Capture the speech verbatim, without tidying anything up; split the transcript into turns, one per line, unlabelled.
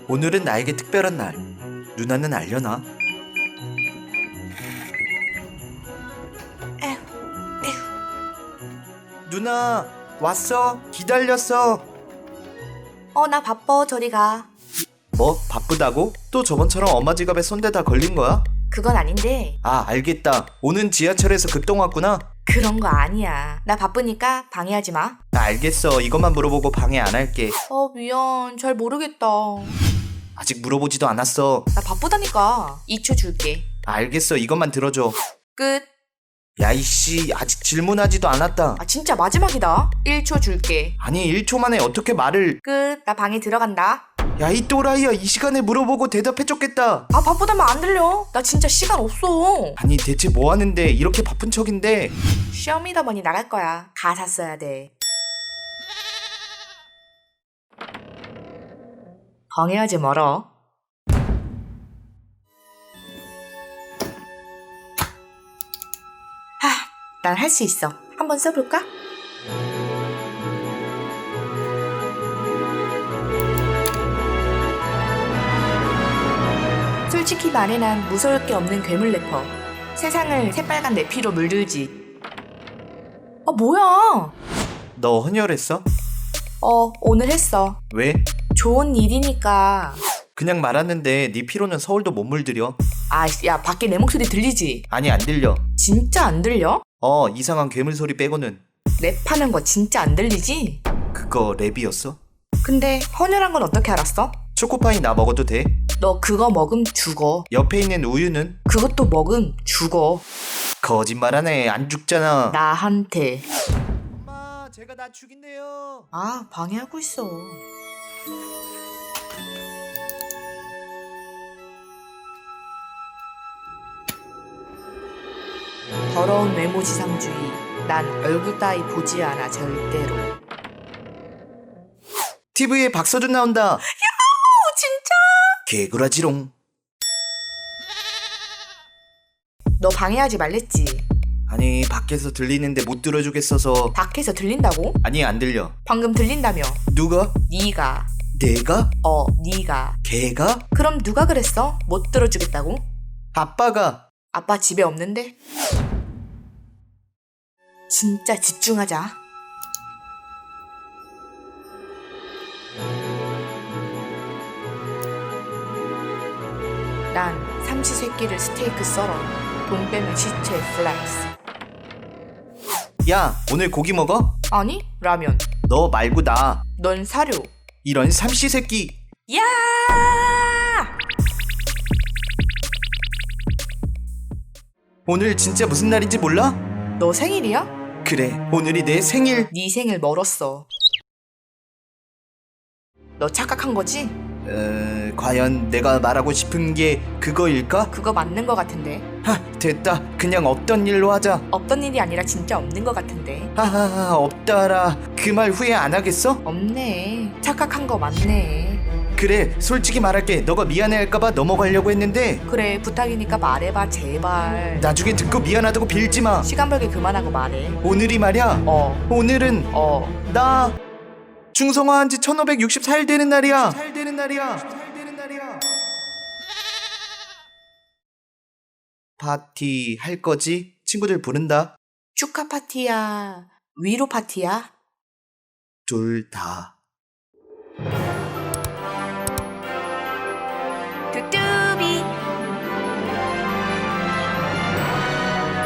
오늘은 나에게 특별한 날. 누나는 알려나?
에휴, 에휴.
누나 왔어. 기다렸어.
어, 나 바빠. 저리 가.
뭐 바쁘다고? 또 저번처럼 엄마 지갑에 손대다 걸린 거야?
그건 아닌데
아 알겠다. 오는 지하철에서 급동 왔구나.
그런 거 아니야. 나 바쁘니까 방해하지 마.
나 알겠어. 이것만 물어보고 방해 안 할게.
어, 미안. 잘 모르겠다.
아직 물어보지도 않았어.
나 바쁘다니까. 이 초 줄게.
알겠어. 이것만 들어줘.
끝.
야 이씨 아직 질문하지도 않았다.
아, 진짜 마지막이다. 일 초 줄게.
아니 일 초 만에 어떻게 말을.
끝. 나 방에 들어간다.
야 이 또라이야. 이 시간에 물어보고 대답해줬겠다.
아, 바쁘다면 안 들려. 나 진짜 시간 없어.
아니 대체 뭐 하는데 이렇게 바쁜 척인데.
쇼미더머니 나갈 거야. 가사 써야 돼. 방해하지 마라. 하, 난 할 수 있어. 한번 써볼까? 솔직히 말해 난 무서울 게 없는 괴물 래퍼. 세상을 새빨간 내 피로 물들지. 아, 뭐야?
너 헌혈했어?
어, 오늘 했어.
왜?
좋은 일이니까.
그냥 말하는데 네 피로는 서울도 못 물들여.
아, 야, 밖에 내 목소리 들리지?
아니 안 들려.
진짜 안 들려?
어 이상한 괴물 소리 빼고는.
랩하는 거 진짜 안 들리지?
그거 랩이었어?
근데 헌혈한 건 어떻게 알았어?
초코파이 나 먹어도 돼?
너 그거 먹음 죽어.
옆에 있는 우유는?
그것도 먹음 죽어.
거짓말하네. 안 죽잖아.
나한테.
엄마 제가 나 죽인대요.
아, 방해하고 있어. 더러운 외모지상주의. 난 얼굴 따위 보지 않아 절대로.
티비에 박서준 나온다.
어, 진짜?
개구라지롱.
너 방해하지 말랬지?
아니 밖에서 들리는데 못 들어주겠어서.
밖에서 들린다고?
아니 안 들려.
방금 들린다며.
누가?
네가.
내가?
어, 네가.
걔가?
그럼 누가 그랬어? 못 들어주겠다고?
아빠가.
아빠 집에 없는데? 진짜 집중하자. 난 삼시세끼를 스테이크 썰어. 돈 빼면 시체 플렉스.
야 오늘 고기 먹어?
아니, 라면.
너 말고 나.
넌 사료.
이런 삼시세끼.
야!
오늘 진짜 무슨 날인지 몰라?
너 생일이야?
그래 오늘이 내 생일.
네 생일 멀었어. 너 착각한 거지?
어, 과연 내가 말하고 싶은 게 그거일까?
그거 맞는 거 같은데.
하 됐다. 그냥 없던 일로 하자.
없던 일이 아니라 진짜 없는 거 같은데.
하하하 없다라. 그 말 후회 안 하겠어?
없네. 착각한 거 맞네.
그래 솔직히 말할게. 너가 미안해할까봐 넘어가려고 했는데
그래, 부탁이니까 말해봐 제발.
나중에 듣고 미안하다고 빌지마.
시간 벌기 그만하고 말해.
오늘이 말이야.
어,
오늘은
어.
나 중성화한 지 천오백육십사 일 되는 날이야. 살 되는 날이야. 살 되는 날이야. 파티 할 거지? 친구들 부른다.
축하 파티야? 위로 파티야?
둘 다.
뚜뚜.